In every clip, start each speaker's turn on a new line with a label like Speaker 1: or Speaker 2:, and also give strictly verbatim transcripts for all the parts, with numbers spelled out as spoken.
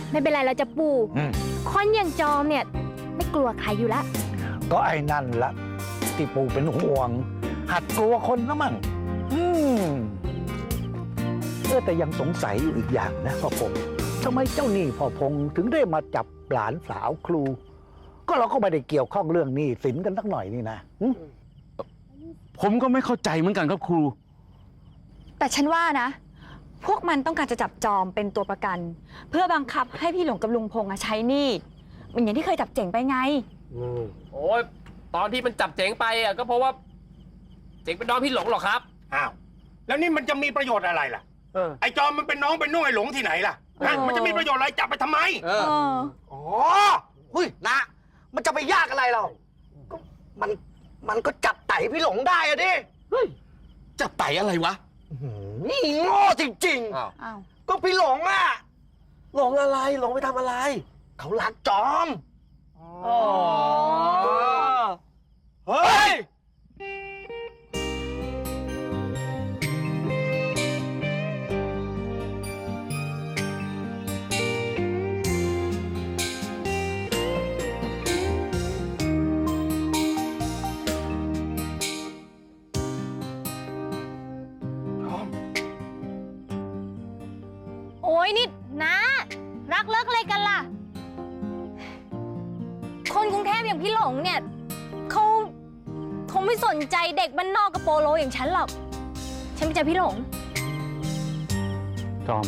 Speaker 1: ไม่เป็นไรเราจะปู่คนอย่างจอมเนี่ยไม่กลัวใครอยู่แล้ว
Speaker 2: ก็ไอ้นั่นละที่ปู่เป็นห่วง หัดกลัวคนนะมั่งอืมเออแต่ยังสงสัยอยู่อีกอย่างนะพ่อพงษ์ทำไมเจ้าหนี้พ่อพงษ์ถึงได้มาจับหลานสาวครู ก็เราก็ไม่ได้เกี่ยวข้องเรื่องหนี้สินกันสักหน่อยนี่นะ
Speaker 3: ผมก็ไม่เข้าใจเหมือนกันครับครู
Speaker 4: แต่ฉันว่านะ พวกมันต้องการจะจับจอมเป็นตัวประกัน เพื่อบังคับให้พี่หลงกับลุงพงษ์ใช้หนี้เหมือนอย่างที่เคยจับเจ๋งไปไง
Speaker 5: โอ้ยตอนที่มันจับเจ๋งไปอ่ะก็เพราะว่าเจ๋งเป็นน้องพี่หลงหรอครับ
Speaker 6: อ้าวแล้วนี่มันจะมีประโยชน์อะไรล่ะไอ้จอมมันเป็นน้องเป็นนุ่งไอ้หลงที่ไหนล่ะมันจะมีประโยชน์อะไรจับไปทำไม
Speaker 4: เออ
Speaker 7: อ๋อหุ้ยนะมันจะไปยากอะไรเราก็มันมันก็จับไต่พี่หลงได้อะดิ
Speaker 3: จับไต่อะไรวะ
Speaker 7: นี่โง่จริงๆก็พี่หลงอะ
Speaker 8: หลงอะไรหลงไปทำอะไร
Speaker 7: เขารักจอม
Speaker 8: อ๋อเฮ้ย
Speaker 1: โอ้ยนี่นะรักเลิกอะไรกันล่ะคนกรุงเทพอย่างพี่หลงเนี่ยเขาคงไม่สนใจเด็กบ้านนอกกับโปโลอย่างฉันหรอกฉันไม่ใช่พี่หลง
Speaker 3: จอม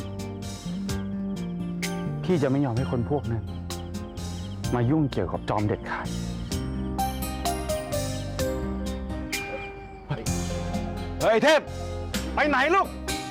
Speaker 3: พี่จะไม่ยอมให้คนพวกนั้นมายุ่งเกี่ยวกับจอมเด็ดขาดเฮ้ยเทพไปไหนลูก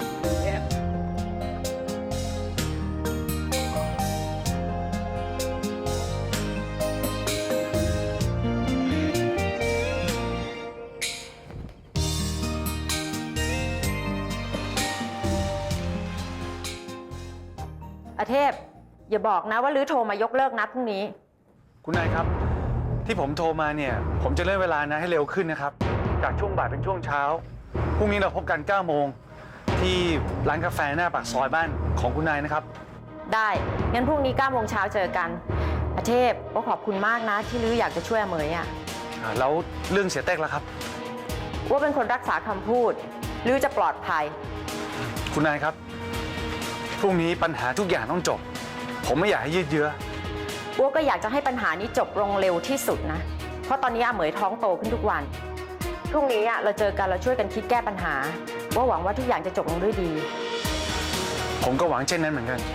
Speaker 9: อาเทพอย่าบอกนะว่าลื้อโทรมายกเลิกนัดพรุ่งนี้
Speaker 3: คุณนายครับที่ผมโทรมาเนี่ยผมจะเลื่อนเวลานะให้เร็วขึ้นนะครับจากช่วงบ่ายเป็นช่วงเช้าพรุ่งนี้เราพบกันเก้าโมงที่ร้านกาแฟหน้าปากซอยบ้านของคุณนายนะครับ
Speaker 9: ได้งั้นพรุ่งนี้เก้าโมงเช้าเจอกันอาเทพก็ขอบคุณมากนะที่ลื้ออยากจะช่วยเหมยอ่ะ
Speaker 3: แล้วเรื่องเสียเต็กล่ะครับ
Speaker 9: ว่าเป็นคนรักษาคำพูดลื้อจะปลอดภัย
Speaker 3: คุณนายครับพรุ่งนี้ปัญหาทุกอย่างต้องจบผมไม่อยากให้ยืดเยื้อ
Speaker 9: วัวก็อยากจะให้ปัญหานี้จบลงเร็วที่สุดนะเพราะตอนนี้อาเหมยท้องโตขึ้นทุกวันพรุ่งนี้เราเจอกันเราช่วยกันคิดแก้ปัญหาว่าหวังว่าทุกอย่างจะจบลงด้วยดี
Speaker 3: ผมก็หวังเช่นนั้นเหมือนกัน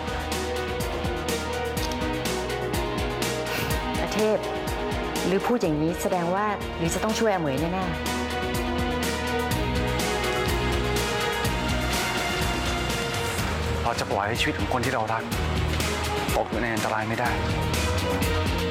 Speaker 9: อาเทพหรือพูดอย่างนี้แสดงว่าหรือจะต้องช่วยอาเหมยแน่ๆ
Speaker 3: เราจะปล่อยให้ชีวิตของคนที่เรารักตกอยู่ในอันตรายไม่ได้